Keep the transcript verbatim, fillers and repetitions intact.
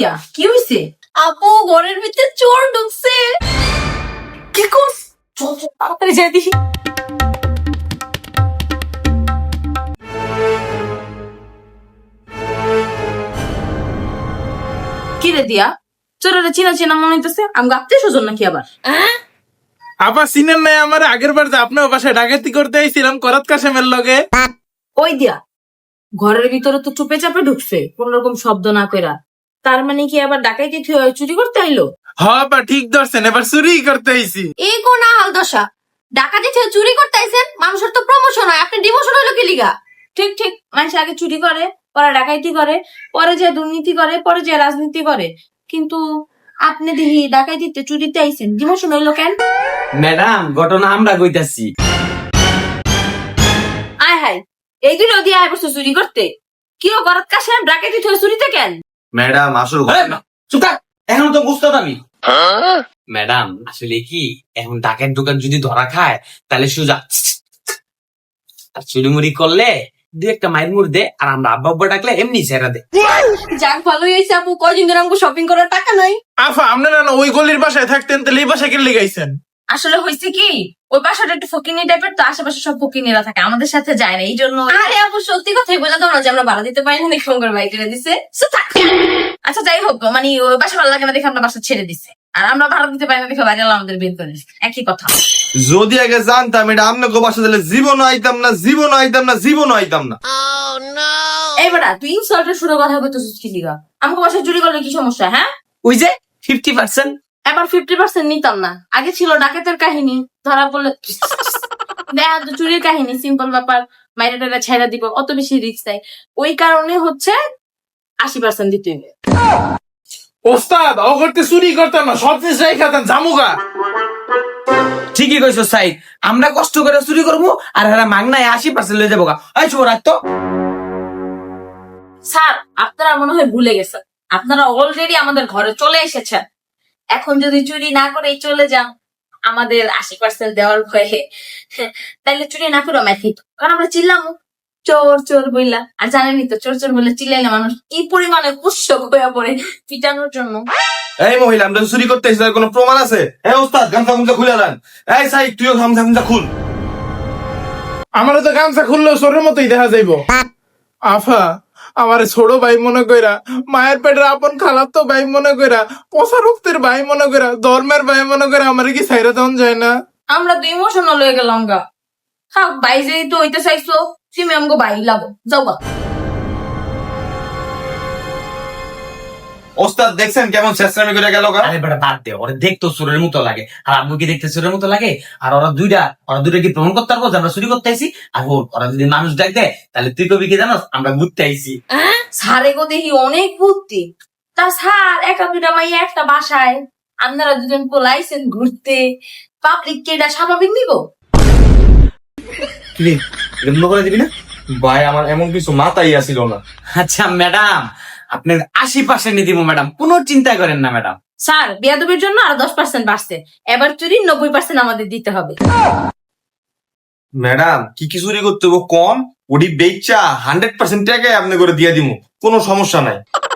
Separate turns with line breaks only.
দিয়া কি হইছে?
আপু ঘরের ভিতরে চোর ঢুকছে।
কি করছ? চল চল তাড়াতাড়ি যাই দেখি। কি রে দিয়া, চোরের চিনা চিনা মনে হইতেছে। আমি আত্মীয় স্বজন নাকি আবার?
আপা চিনেন নাই আমার? আগের বার যে আপনার বাসায় ডাকাতি করতে আইছিলাম করাত কাশেমের লগে।
ওই দিয়া ঘরের ভিতরে তো চুপে চাপে ঢুকছে কোন রকম শব্দ না কইরা। তার মানে কি আবার ডাকাইতে চুরি করতে আইলো?
হ আপা ঠিক ধরছেন, এবার চুরি করতে আইছি।
এই কোন হাল দশা, ডাকাতি থেকে চুরি করতে আইছেন? মানুষের তো প্রমোশন হয়, আপনি ডিমোশন হলো কি লিগা?
ঠিক ঠিক, মানুষ আগে চুরি করে, পরে ডাকাইতি করে, পরে যে দুর্নীতি করে, পরে যে রাজনীতি করে। কিন্তু আপনি দেখি ডাকাইতিতে চুরিতে আইছেন, ডিমোশন হইলো কেন?
ম্যাডাম ঘটনা আমরা কইতাছি।
আয় হাই, এই দুটো দিয়ে আয় বসে চুরি করতে? কি ও গরাত কাছে ডাকাইতি থেকে চুরিতে কেন?
ম্যাডাম আসল
চুপ থাক, এখন তো বুঝতে আমি। ম্যাডাম আসলে কি, এখন ডাকের দোকান যদি ধরা খায় তাহলে সোজা আর চুরিমুরি করলে দু একটা মায়ের মুড় দে, আর আমরা আব্বা আব্বা ডাকলে এমনি ছেড়া দে।
যাক ভালোই হয়েছে আপু, কয়দিন ধরে আমাকে শপিং করার টাকা নাই।
আফা আপনারা না ওই গলির বাসায় থাকতেন, তাহলে এই বাসায় কেন লেগাইছেন?
আসলে হয়েছে কি, ওই বাসাটা একটু ফকিনি টাইপের, তো আশেপাশে সব ফকিনিরা থাকে, আমাদের সাথে যায় না, এই জন্য।
আরে আপু সত্যি কথাই বলে তোমরা যে আমরা ভাড়া দিতে পারি না, ফোন করে বাইক কিনে দিছে।
So, থাক। আচ্ছা যাই হোক, মানে ওই বাসা ভালো লাগে না দেখে আমরা বাসা ছেড়ে দিছে, আর আমরা ভাড়া দিতে পারি না দেখে বাইরে আমাদের বের করে দিছে। একই কথা।
যদি আগে জানতাম এটা আপনাকে বাসা দিলে জীবন আইতাম না, জীবন আইতাম না, জীবন আইতাম না।
এইবার তুই ইনসাল্টের শুরু কথা বলতেছিস কি লিগা? আমাকে বাসায় চুরি করলে কি সমস্যা? হ্যাঁ,
ওই যে ফিফটি পার্সেন্ট
এবার ফিফটি পার্সেন্ট নিতাম না। আগে ছিল ডাকাতের কাহিনী, ধরা পড়লে দেখা তো চুরির কাহিনী, সিম্পল ব্যাপার, মাইরা টাইরা ছেড়া দিব, অত বেশি রিস্ক নাই। ওই কারণে হচ্ছে আশি পার্সেন্ট দিতে হবে।
ওস্তাদ ও করতে চুরি করতাম না, সব জিনিস রাই খাতাম জামুগা।
ঠিকই কইছো সাই, আমরা কষ্ট করে চুরি করবো আর এরা মাগনায় আশি পার্সেন্ট লয়ে যাবো গা। এই শুভ রাখ তো।
স্যার আপনারা মনে হয় ভুলে গেছেন, আপনারা অলরেডি আমাদের ঘরে চলে এসেছেন। এখন যদি চুরি না করে চলে যান আমাদের আশি পার্সেন্ট দেওয়ার ভয়ে, তাইলে চুরি না করে ম্যাথিত, কারণ আমরা চিল্লাম চোর চোর বইলা। আর জানেনই তো চোর চোর বলে চিল্লাইলে মানুষ কি পরিমাণে উৎসুক হয়ে পড়ে পিটানোর জন্য।
এই মহিলা আমরা চুরি করতে এসেছি, তার কোনো প্রমাণ আছে? এই ওস্তাদ গামছা গামছা খুলে দেন। এই সাই তুইও গামছা গামছা খুল।
আমারও তো গামছা খুললেও চোরের মতোই দেখা যাইব। আফা আমার ছোট ভাই মনে কইরা, মায়ের পেটের আপন খালাতো ভাই মনে কইরা, পচা রক্তের ভাই মনে কইরা, ধর্মের ভাই মনে কইরা আমার কি ছাইরা দেওয়া যায় না?
আমরা তো ইমোশনাল হয়ে গেলাম গা। হ্যাঁ ভাই যেহেতু হইতে চাইছো, তুমি আমাকে ভাই লাগো, যাও গা।
ওস্তাদ দেখছেন কেমন শেষরামি করে গেল গা?
আরে বেটা বাদ দে, ওরা দেখতো চোরের মতো লাগে, আর আম্মু কি দেখতে চোরের মতো লাগে? আর ওরা দুইটা ওরা দুইটা কি প্রমাণ করতে পারবো যে আমরা চুরি করতে আইছি? আর ওর- ওরা যদি মানুষ ডাক দেয় তাহলে তুই কবি কি জানোস আমরা ঘুরতে আইছি।
স্যার এগো দেখি অনেক বুদ্ধি। তা স্যার একা দুটা মাইয়া একটা বাসায়, আপনারা দুজন পোলাইছেন ঘুরতে, পাবলিক কে এটা স্বাভাবিক নিব?
কি এমন করে দিবি না ভাই? আমার এমন কিছু মাথায় আসিল না।
আচ্ছা ম্যাডাম, আপনার আশি পার্সেন্ট দিব ম্যাডাম, কোনো চিন্তা করেন না ম্যাডাম।
স্যার বিয়াদবের জন্য আর দশ পার্সেন্ট বাড়ছে, এবার চুরি নব্বই পার্সেন্ট আমাদের দিতে হবে।
ম্যাডাম কি কি চুরি করতে হবে কম, ওডি বেচা হান্ড্রেড পার্সেন্ট টাকায় আপনি করে দিয়ে দিব, কোনো সমস্যা নাই।